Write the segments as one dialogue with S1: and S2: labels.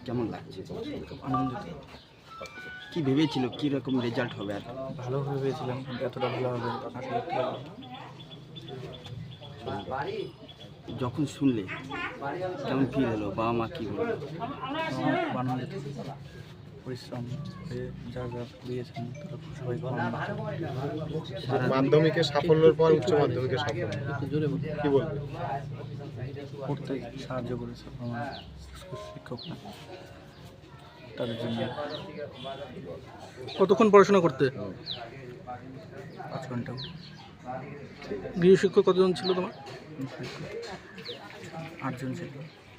S1: কেমন লাগছে?
S2: খুব আনন্দিত।
S1: কি ভেবেছিল কীরকম রেজাল্ট হবে? আর
S2: ভালো ভেবেছিলাম, কিন্তু এতটা ভালো হবে আশা করতে পারিনি।
S1: যখন শুনলে কেমন ফিল হলো? বাবা মা কী বললো?
S2: আমার খুব আনন্দিত। পরিশ্রম করে যা যা দিয়েছেন তারা সবাই খুব আনন্দিত।
S3: মাধ্যমিকের সাফল্যের পর উচ্চ মাধ্যমিকের সাফল্য কি বলবে?
S2: পড়তে সাহায্য করেছে আমার শিক্ষকরা, তাদের জন্য।
S4: কতক্ষণ পড়াশোনা করতে?
S2: 5 ঘন্টা।
S4: গৃহশিক্ষক কতজন ছিল তোমার?
S2: 8 জন ছিল।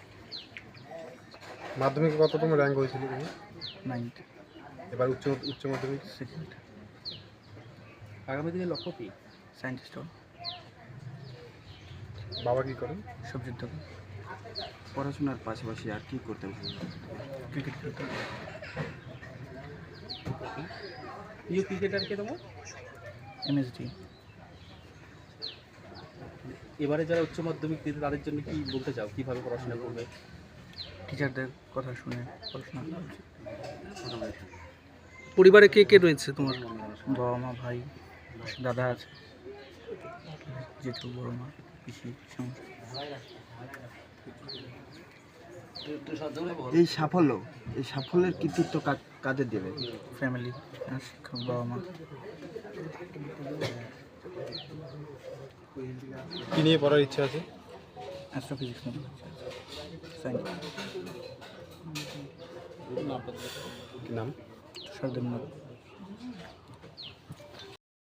S3: মাধ্যমিকে কততম র্যাঙ্ক হয়েছিল তুমি?
S2: 9th।
S3: এবার উচ্চ মাধ্যমিক
S2: 2nd।
S1: আগামী দিনে লক্ষ্য কী?
S2: সায়েন্টিস্ট।
S3: বাবা কি করেন?
S2: সবজির দোকান।
S1: পড়াশোনার পাশাপাশি আর কী করতে হবে?
S2: ক্রিকেট খেলতে।
S1: প্রিয় ক্রিকেটার কে তোমার?
S2: এমএসডি।
S1: এবারে যারা উচ্চ মাধ্যমিক দিতে তাদের জন্য কি বলতে চাও? কীভাবে পড়াশোনা করবে?
S2: টিচারদের কথা শুনে পড়াশোনা করা উচিত।
S4: পরিবারে কে কে রয়েছে তোমার?
S2: বাবা মা, ভাই, দাদা আছে, জেঠু, বড় মা, পিসি, সমস্ত।
S1: এই সাফল্যের কৃতিত্ব কাদের দেবে?
S2: ফ্যামিলি, শিক্ষক, বাবা মা।
S3: কি নিয়ে পড়ার ইচ্ছা আছে?
S2: অ্যাস্ট্রোফিজিক্স নিয়ে সায়েন্স।
S3: কি নাম?
S2: সরদেবনাথ।